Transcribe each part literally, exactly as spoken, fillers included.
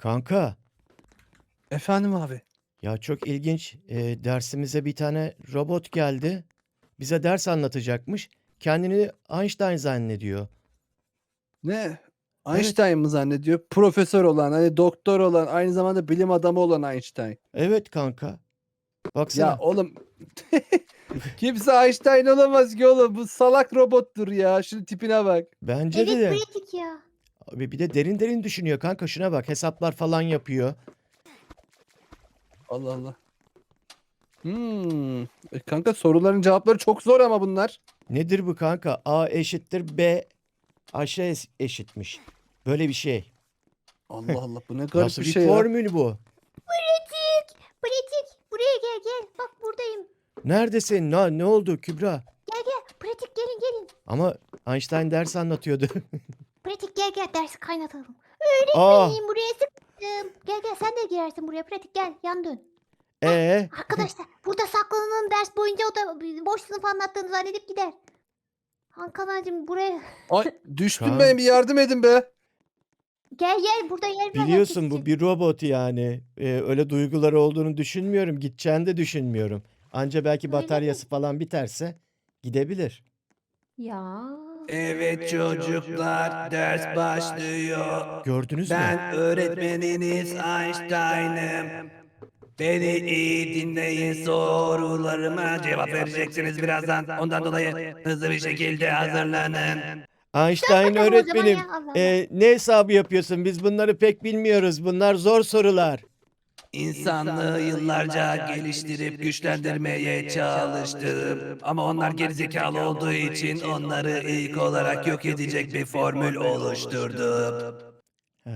Kanka, Efendim abi. ya çok ilginç. Ee, dersimize bir tane robot geldi. Bize ders anlatacakmış. Kendini Einstein zannediyor. Ne? Evet, Einstein mı zannediyor? Profesör olan, hani doktor olan, aynı zamanda bilim adamı olan Einstein. evet kanka. Ya Baksana. oğlum kimse Einstein olamaz ki oğlum. Bu salak robottur ya. Şunun tipine bak. Bence Evet de. pratik ya. Abi bir de derin derin düşünüyor kanka. Şuna bak, hesaplar falan yapıyor. Allah Allah. Hmm. E kanka soruların cevapları çok zor ama bunlar. Nedir bu kanka? A eşittir B aşağı es- eşitmiş. Böyle bir şey. Allah Allah, bu ne garip Nasıl bir bir şey ya. formül bu? Pratik. Pratik. Buraya gel gel. Bak buradayım. Neredesin? Ne, ne oldu Kübra? Gel gel. Pratik gelin gelin. Ama Einstein ders anlatıyordu. Pratik gel gel dersi kaynatalım. Aa, Öğretmenim buraya sıkıştım. Gel gel sen de girersin buraya. Pratik gel yan dön. ee? Arkadaşlar burada saklanalım ders boyunca o da boş sınıf anlattığını zannedip gider. Hakan'cığım buraya Ay düştüm Kaan. ben, bir yardım edin be. gel gel burada yer var herkes Biliyorsun bu için. bir robot yani. Ee, öyle duyguları olduğunu düşünmüyorum. Gideceğini de düşünmüyorum. Anca belki Öyle mi? bataryası falan biterse gidebilir. Ya. Evet çocuklar, ders başlıyor. Gördünüz mü? Ben öğretmeniniz Einstein'ım. Beni iyi dinleyin, sorularıma cevap vereceksiniz birazdan. Ondan dolayı hızlı bir şekilde hazırlanın. Einstein bakalım o zaman öğretmenim. ya, Allah Allah. ee, ne hesabı yapıyorsun? Biz bunları pek bilmiyoruz. Bunlar zor sorular. İnsanlığı yıllarca geliştirip güçlendirmeye çalıştım. Ama onlar gerizekalı olduğu için onları ilk olarak yok edecek bir formül oluşturdum. Ha,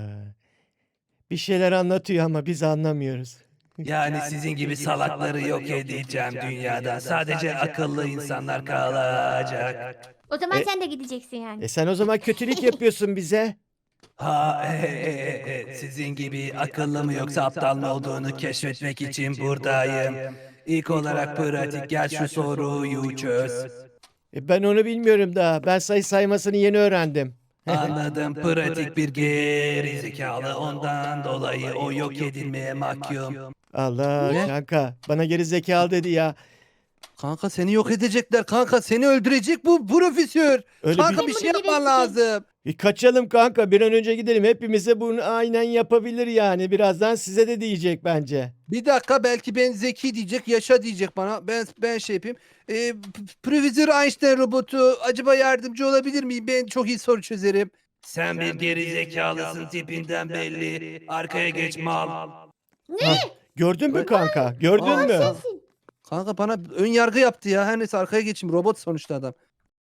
bir şeyler anlatıyor ama biz anlamıyoruz. Yani sizin gibi salakları yok edeceğim dünyada. Sadece akıllı insanlar kalacak. O zaman E- sen de gideceksin yani. E sen o zaman kötülük yapıyorsun bize. Ha, e, e, e, e, sizin gibi akıllı mı yoksa aptal mı olduğunu keşfetmek için buradayım. İlk olarak pratik, gel şu soruyu çöz. E ben onu bilmiyorum daha. Ben sayı saymasını yeni öğrendim. Anladım, pratik bir geri zekalı, ondan dolayı o yok edilmeye mahkum. Allah Ne? kanka bana geri zekalı dedi ya. Kanka seni yok edecekler kanka. Seni öldürecek bu profesör. Öyle Kanka bir... bir şey Bunu yapman gebertecek. lazım. E kaçalım kanka, bir an önce gidelim. Hepimize bunu aynen yapabilir yani. Birazdan size de diyecek bence. Bir dakika, belki ben zeki diyecek, yaşa diyecek bana. Ben ben şey yapayım. Ee, P- Profesör Einstein robotu acaba yardımcı olabilir miyim? Ben çok iyi soru çözerim. Sen bir geri zekalısın tipinden belli. Arkaya geç mal. Ha, gördün mü kanka? Gördün Aa, mü? Sensin. Kanka bana ön yargı yaptı ya. Her neyse, arkaya geçeyim. Robot sonuçta adam.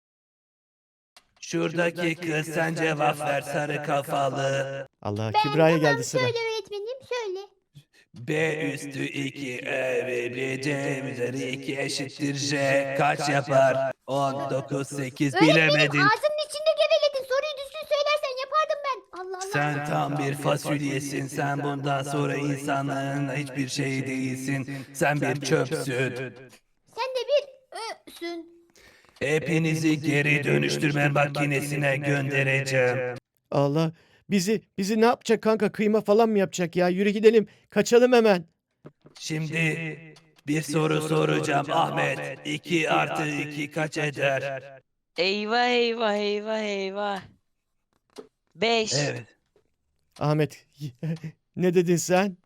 Şuradaki kız sen cevap ver sarı kafalı. Allah, Ben Kübra'ya tamam geldi sıra. söyle öğretmenim söyle. B üstü iki E ve B C üzeri iki eşittir J kaç yapar? on dokuz sekiz Öğretmenim bilemedin. ağzının içinde geveledin. Soruyu düzgün söylersen yapardım ben. Allah Allah. Sen tam bir fasulyesin. Sen bundan sonra insanlığın hiçbir şeyi değilsin. Sen bir çöpsün. Sen de bir ösün. Hepinizi geri dönüştürme makinesine göndereceğim. Allah, bizi bizi ne yapacak kanka? Kıyma falan mı yapacak ya? Yürü gidelim. Kaçalım hemen. Şimdi bir soru soracağım Ahmet. iki artı iki kaç eder? Eyvah eyvah eyvah eyvah. Beş. Evet. Ahmet, ne dedin sen?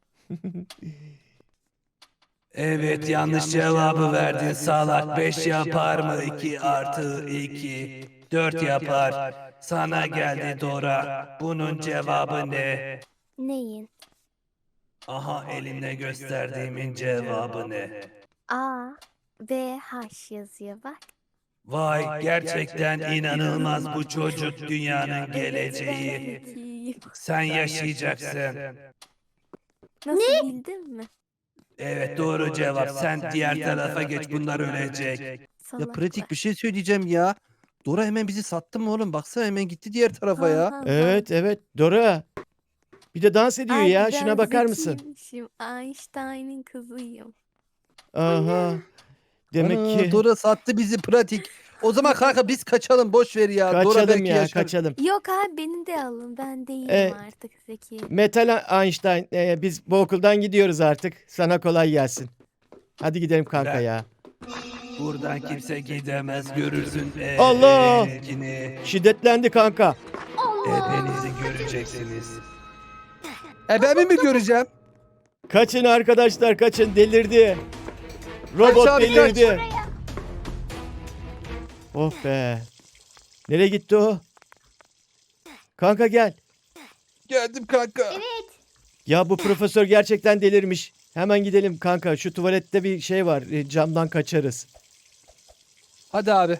Evet, yanlış cevabı verdin salak. beş yapar mı? iki artı iki. dört yapar. Sana geldi Dora. Bunun cevabı ne? Neyin? Aha, elimle gösterdiğimin cevabı ne? A, B, H yazıyor bak. Vay, gerçekten inanılmaz, bu çocuk dünyanın geleceği. Zekiyim. Sen yaşayacaksın. Nasıl bildin mi? Evet, doğru cevap. Sen diğer tarafa geç, bunlar ölecek. Ya Salaklar. pratik bir şey söyleyeceğim ya. Dora hemen bizi sattı mı oğlum? Baksana, hemen gitti diğer tarafa Ha, ya. ha, ha. Evet evet Dora. Bir de dans ediyor Ay, ya. ben Şuna bakar mısın? zekiymişim. Einstein'ın kızıyım. Aha. Demek Ana, ki Dora sattı bizi pratik. O zaman kanka biz kaçalım boş ver ya. Dora Kaçalım belki ya yaşar. kaçalım. Yok abi beni de alın. Ben değilim E, artık Zeki. Metal Einstein e, biz bu okuldan gidiyoruz artık. Sana kolay gelsin. Hadi gidelim kanka Ben- ya. Buradan kimse gidemez görürsün. Allah! Ekini. Şiddetlendi kanka. Allah. Hepinizi göreceksiniz. E ben mi göreceğim? Kaçın arkadaşlar kaçın delirdi. Robot Kaç abi, kaç. delirdi. Oh be. Nereye gitti o? Kanka gel. Geldim kanka. Evet. Ya bu profesör gerçekten delirmiş. Hemen gidelim kanka. Şu tuvalette bir şey var. e, Camdan kaçarız. Hadi abi.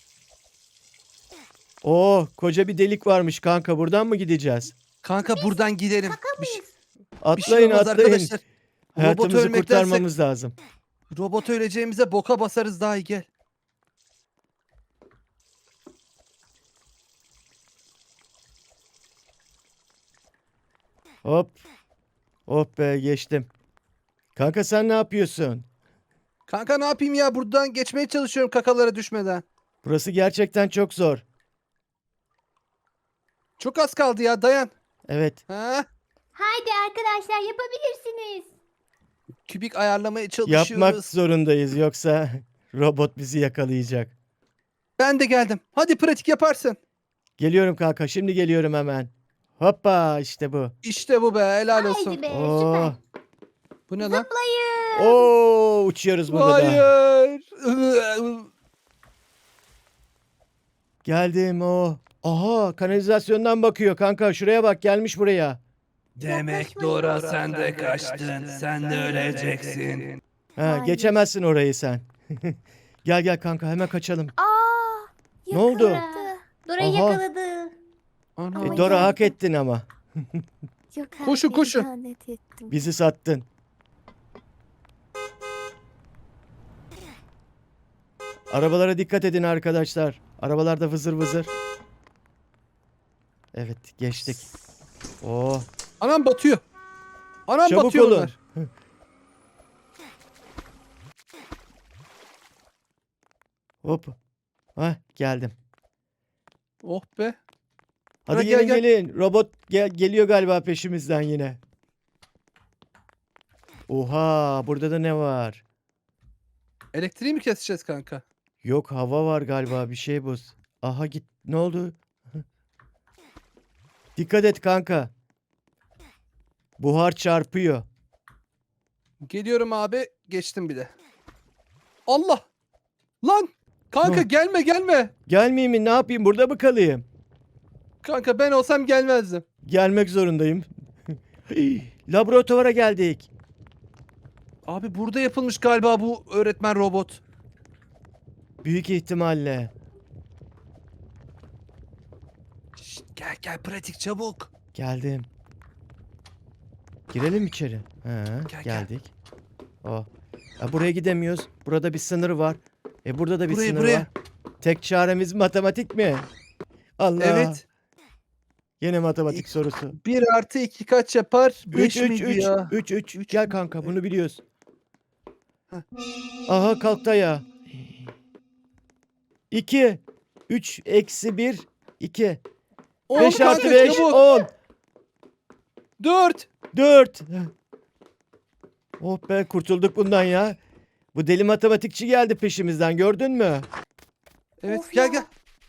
Oo, koca bir delik varmış kanka. Buradan mı gideceğiz? Kanka buradan gidelim. Şaka Bir şey, mıyız? bir şey Atlayın olmaz atlayın. arkadaşlar. Robot Hayatımızı ölmektense kurtarmamız lazım. robot öleceğimize boka basarız daha iyi gel. Hop. Hop be geçtim. Kanka sen ne yapıyorsun? Kanka ne yapayım ya buradan geçmeye çalışıyorum kakalara düşmeden. Burası gerçekten çok zor. Çok az kaldı ya dayan. Evet. Ha? Haydi arkadaşlar yapabilirsiniz. Kübik ayarlamaya çalışıyoruz. Yapmak zorundayız yoksa robot bizi yakalayacak. Ben de geldim. Hadi pratik yaparsın. Geliyorum kanka. Şimdi geliyorum hemen. Hoppa işte bu. İşte bu be helal olsun. Haydi be Oo. süper. Bu ne lan? Zıplayın. Oo uçuyoruz burada da. Hayır. Geldim o. Aha kanalizasyondan bakıyor kanka. Şuraya bak gelmiş buraya. Demek Yaklaşmayın. Dora sen de kaçtın. Sen de öleceksin. Ha, Hayır. geçemezsin orayı sen. Gel gel kanka hemen kaçalım. Aa! Ne oldu? yakaladı. Dora'yı Aha. yakaladı. Ana. E, Ama Dora hak geldim. ettin ama. Yok abi, Koşun, koşun. ihanet ettim. Bizi sattın. Arabalara dikkat edin arkadaşlar. Arabalarda vızır vızır. Evet geçtik. Oo, Anam batıyor. Anam çabuk batıyor olun. bunlar. Hop. Hah geldim. Oh be. Hadi Ha, gel, gelin gel. gelin. Robot gel geliyor galiba peşimizden yine. Oha burada da ne var? Elektriği mi keseceğiz kanka? Yok hava var galiba bir şey bu. Aha git ne oldu? Dikkat et kanka. Buhar çarpıyor. Geliyorum abi. Geçtim bile. Allah. Lan. Kanka Ne? gelme gelme. Gelmeyeyim mi ne yapayım burada mı kalayım? Kanka ben olsam gelmezdim. Gelmek zorundayım. Laboratuvara geldik. Abi burada yapılmış galiba bu öğretmen robot. Büyük ihtimalle. Şşt, gel gel pratik çabuk. Geldim. Girelim içeri. Ha, gel. geldik. Oh. Ha, buraya gidemiyoruz. Burada bir sınır var. E burada da bir Buraya, sınır buraya. var. Tek çaremiz matematik mi? Allah. Evet. Yine matematik sorusu. bir artı iki kaç yapar? üç beş üç miydi üç ya? üç üç. Üç Gel mü? kanka bunu biliyoruz. Heh. Aha kalktı ya. iki. üç eksi bir. iki. On beş kanka, artı beş. çabuk. on. dört. dört. Oh be kurtulduk bundan ya. Bu deli matematikçi geldi peşimizden gördün mü? Evet Of gel ya. gel.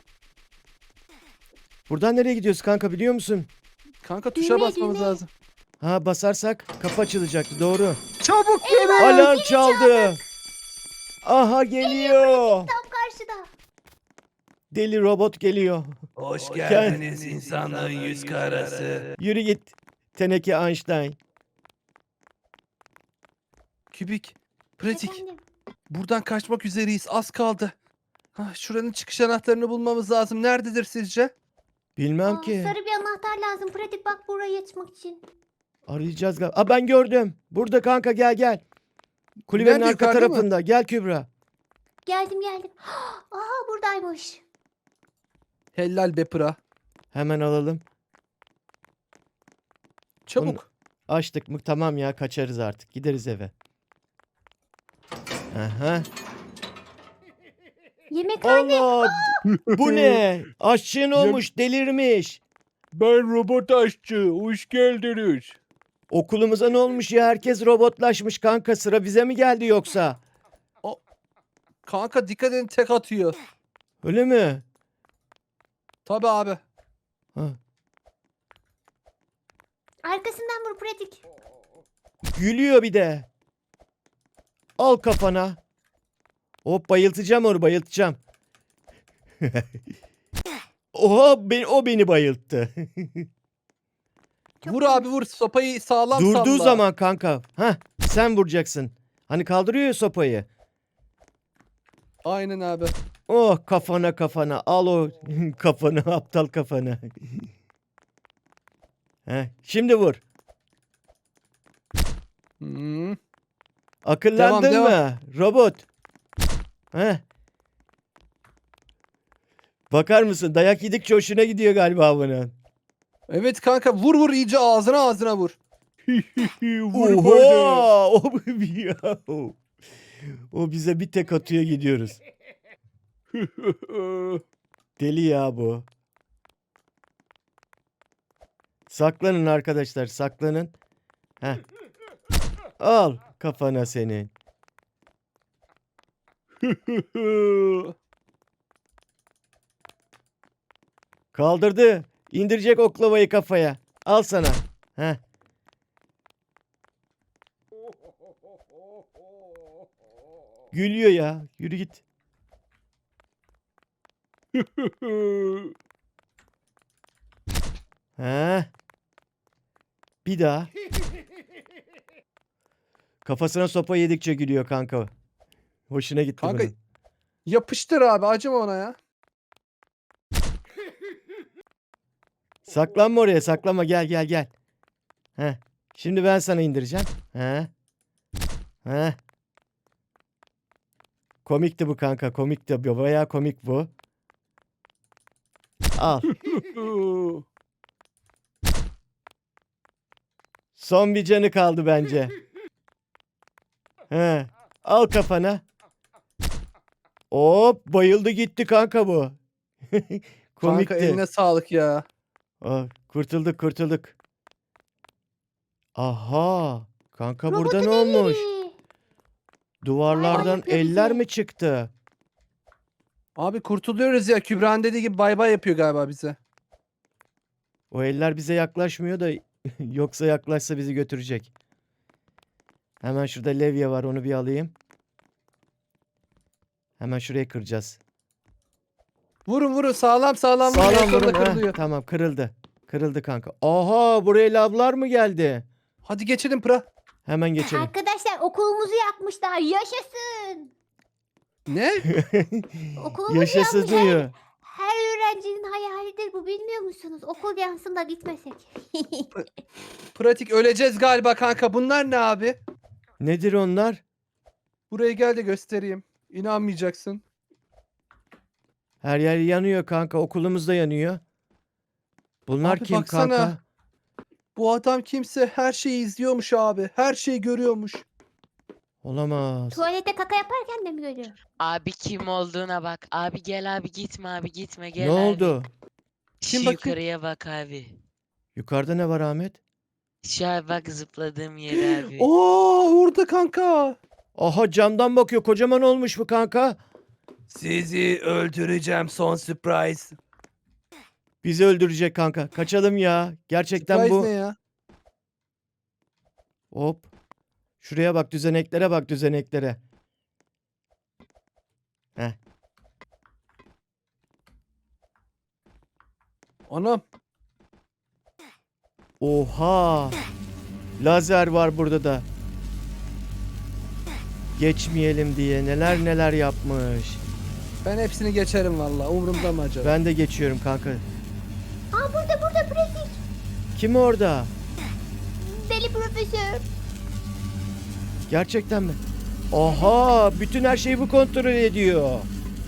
Buradan nereye gidiyoruz kanka biliyor musun? Kanka tuşa Düğmeye, basmamız düğmeye. lazım. Ha basarsak kapı açılacak doğru. Çabuk gelin. Alarm çaldı. Aha geliyor. Tam karşıda. Deli robot geliyor. Hoş geldiniz insanlığın yüz karası. Yürü git. Teneke Einstein. Kübik. Pratik. Efendim? Buradan kaçmak üzereyiz. Az kaldı. Ha, şuranın çıkış anahtarını bulmamız lazım. Nerededir sizce? Bilmem Aa, ki. sarı bir anahtar lazım. Pratik bak buraya açmak için. Arayacağız galiba. Aa ben gördüm. Burada kanka gel gel. Kulübenin Nerede, arka yukarıda mı? tarafında. Gel Kübra. Geldim geldim. Aha buradaymış. Helal be pıra. Hemen alalım. Çabuk. Açtık mı tamam ya kaçarız artık. Gideriz eve. Aha. Yemekhane. Allah! Bu ne? Aşçın olmuş, delirmiş. Ben robot aşçı. Hoş geldiniz. Okulumuza ne olmuş ya? Herkes robotlaşmış kanka. Sıra bize mi geldi yoksa? Kanka dikkat edin tek atıyor. Öyle mi? Tabi abi. Ha. Arkasından vur pratik. Gülüyor bir de. Al kafana. Hop bayıltacağım onu bayıltacağım. Oha ben, o beni bayılttı. Çok Vur güzel. abi vur. Sopayı sağlam Durduğu salla. zaman kanka. Hah sen vuracaksın. Hani kaldırıyor ya sopayı. Aynen abi. Oh kafana kafana al o kafanı aptal kafanı. Heh, şimdi vur. Hmm. Akıllandın Devam, mı? Robot. Heh. Bakar mısın? Dayak yedikçe hoşuna gidiyor galiba bunun. Evet kanka vur vur iyice ağzına ağzına vur. Oha! O, ya. O bize bir tek atıyor gidiyoruz. Deli ya bu. Saklanın arkadaşlar saklanın. Heh. Al kafana senin. Kaldırdı. İndirecek oklavayı kafaya. Al sana. Heh. Gülüyor ya. Yürü git. Heh. Bir daha. Kafasına sopa yedikçe gülüyor kanka. Hoşuna gitti Kanka- bunun. Yapıştır abi acıma ona ya. Saklanma oraya saklanma gel gel gel. Heh. Şimdi ben sana indireceğim. Heh. Heh. Komikti bu kanka komikti. Bayağı komik bu. Al. Son bir canı kaldı bence. He. Al kafana. Hop bayıldı gitti kanka bu. Komikti. Kanka eline sağlık ya. Oh, kurtulduk kurtulduk. Aha. Kanka burada Robotun ne olmuş? elleri. Duvarlardan yapıyor eller bize. mi çıktı? Abi kurtuluyoruz ya. Kübra'nın dediği gibi bay bay yapıyor galiba bize. O eller bize yaklaşmıyor da yoksa yaklaşsa bizi götürecek. Hemen şurada levye var onu bir alayım. Hemen şuraya kıracağız. Vurun vurun sağlam sağlam vurun. Sağlam Yakında vurun. Heh, kırılıyor. tamam kırıldı. Kırıldı kanka. Aha buraya lavlar mı geldi? Hadi geçelim pra. Hemen geçelim. Arkadaşlar okulumuzu yakmışlar. Yaşasın. Ne? Okulumuzu Yaşasın yakmış. Her, diyor. her öğrencinin hayalidir bu bilmiyor musunuz? Okul yansın da gitmesek. Pratik öleceğiz galiba kanka. Bunlar ne abi? Nedir onlar? Buraya gel de göstereyim. İnanmayacaksın. Her yer yanıyor kanka. Okulumuz da yanıyor. Bunlar Abi kim baksana. kanka? Bu adam kimse her şeyi izliyormuş abi. Her şeyi görüyormuş. Olamaz. Tuvalete kaka yaparken de mi görüyor? Abi kim olduğuna bak. Abi gel abi gitme abi gitme gel Ne abi. oldu? Şu Kim bakayım? yukarıya bak abi. Yukarıda ne var Ahmet? Şu abi bak zıpladığım yere abi. Oo orada kanka. Aha camdan bakıyor. Kocaman olmuş bu kanka. Sizi öldüreceğim son surprise. Bizi öldürecek kanka. Kaçalım ya. Gerçekten Surprise bu. ne ya? Hop. Şuraya bak düzeneklere bak düzeneklere. Heh. Anam. Oha. Lazer var burada da. Geçmeyelim diye neler neler yapmış. Ben hepsini geçerim valla. Umurumda mı acaba? Ben de geçiyorum kanka. Aa burada burada pratik. Kim orada? Deli profesör. Gerçekten mi? Oha, bütün her şeyi bu kontrol ediyor.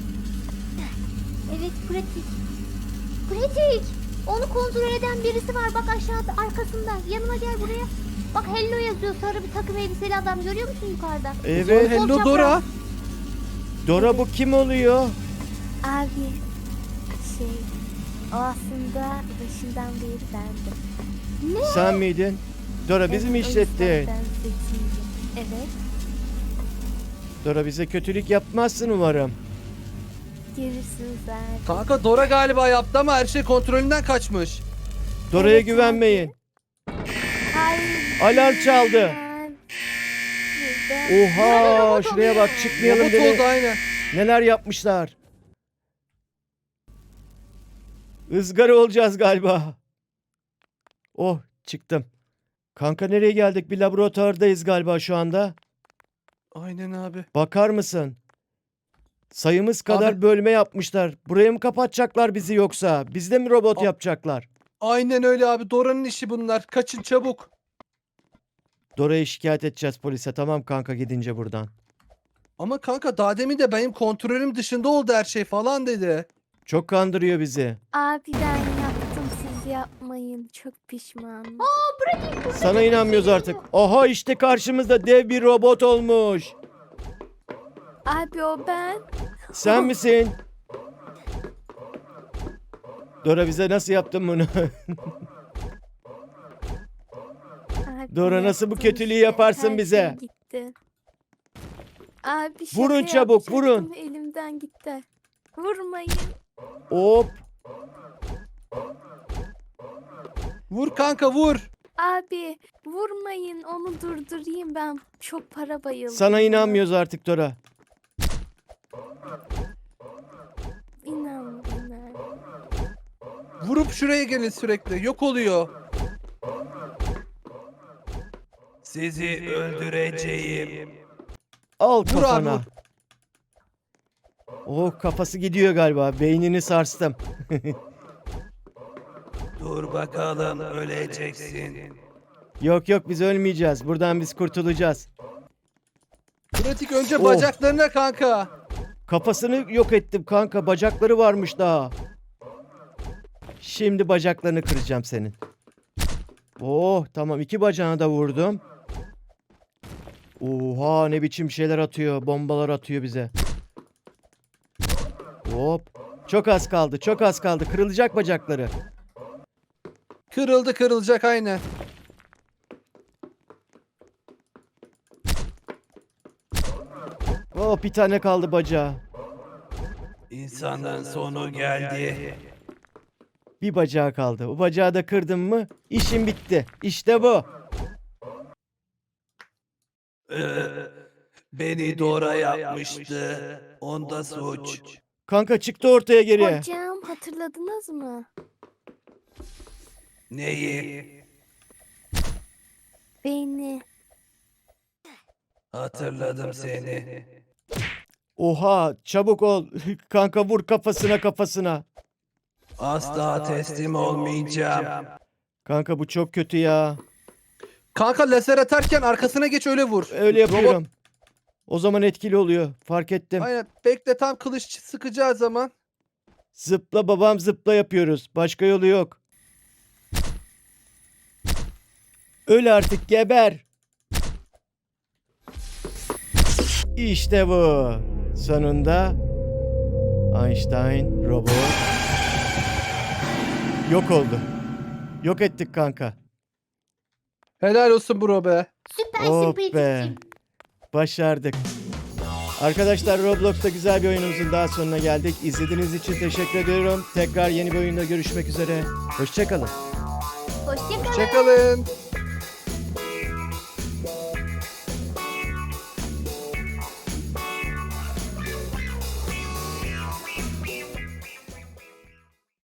Evet pratik. Pratik. Onu kontrol eden birisi var bak aşağıda arkasında. Yanıma gel buraya. Bak hello yazıyor sarı bir takım elbiseli adam görüyor musun yukarıda? Evet. Hello Sol Dora. çapraz. Dora bu kim oluyor? Abi şey o aslında başından beri bendim. Sen miydin? Dora bizi mi Evet, o yüzden işlettin? ben zekiyim. Evet. Dora bize kötülük yapmazsın umarım. Görürsünüz abi. Kanka Dora galiba yaptı ama her şey kontrolünden kaçmış. Dora'ya Evet, güvenmeyin. Hayır. Alarm çaldı. ben- ben- Oha şuraya bak çıkmayalım Robot dedi. oldu aynen. Neler yapmışlar. Izgara olacağız galiba. Oh çıktım. Kanka nereye geldik? Bir laboratuvardayız galiba şu anda. Aynen abi. Bakar mısın? Sayımız kadar Abi- bölme yapmışlar. Buraya mı kapatacaklar bizi yoksa? Bizde mi robot A- yapacaklar? Aynen öyle abi. Dora'nın işi bunlar. Kaçın çabuk. Dora'yı şikayet edeceğiz polise. Tamam kanka gidince buradan. Ama kanka daha demin de benim kontrolüm dışında oldu her şey falan dedi. Çok kandırıyor bizi. Abi ben yaptım, siz yapmayın. Çok pişmanım. Sana inanmıyoruz artık. Aha işte karşımızda dev bir robot olmuş. Abi o ben. Sen misin? Dora bize nasıl yaptın bunu? Abi Dora, nasıl bu yaptım kötülüğü işte, yaparsın her şey bize? gitti. Abi şaka Vurun çabuk, yapacaktım, vurun. elimden gitti. Vurmayın. Hop. Vur kanka vur. Abi vurmayın, onu durdurayım ben. Çok para bayıldım. Sana buna. inanmıyoruz artık Dora. İnanmayın abi. Vurup şuraya gelin sürekli. Yok oluyor. Sizi öldüreceğim. Al Vur abi, kafana. vur. Oh kafası gidiyor galiba. Beynini sarstım. Dur bakalım öleceksin. Yok yok biz ölmeyeceğiz. Buradan biz kurtulacağız. Pratik önce Oh. bacaklarına kanka. Kafasını yok ettim kanka. Bacakları varmış daha. Şimdi bacaklarını kıracağım senin. Oh tamam iki bacağına da vurdum. Oha ne biçim şeyler atıyor. Bombalar atıyor bize. Hop. Çok az kaldı. Çok az kaldı. Kırılacak bacakları. Kırıldı kırılacak aynen. Oh bir tane kaldı bacağı. İnsanın sonu geldi. Bir bacağı kaldı. O bacağı da kırdım mı işim bitti. İşte bu. Ee, beni Dora yapmıştı. Onda suç. Kanka çıktı ortaya geri. Hocam hatırladınız mı? Neyi? Beni. Hatırladım seni. Oha çabuk ol. Kanka vur kafasına kafasına. Asla teslim olmayacağım. Kanka bu çok kötü ya. Kanka lazer atarken arkasına geç öyle vur. Öyle Robot- yapıyorum. O zaman etkili oluyor. Fark ettim. Aynen. Bekle tam kılıç sıkacağı zaman. Zıpla babam zıpla yapıyoruz. Başka yolu yok. Öl artık geber. İşte bu. Sonunda Einstein robot yok oldu. Yok ettik kanka. Helal olsun bro be. Süpersin Oh be. Pratik'ciğim. Başardık. Arkadaşlar Roblox'ta güzel bir oyunumuzun daha sonuna geldik. İzlediğiniz için teşekkür ediyorum. Tekrar yeni bir oyunda görüşmek üzere. Hoşçakalın. Hoşçakalın. Hoşçakalın.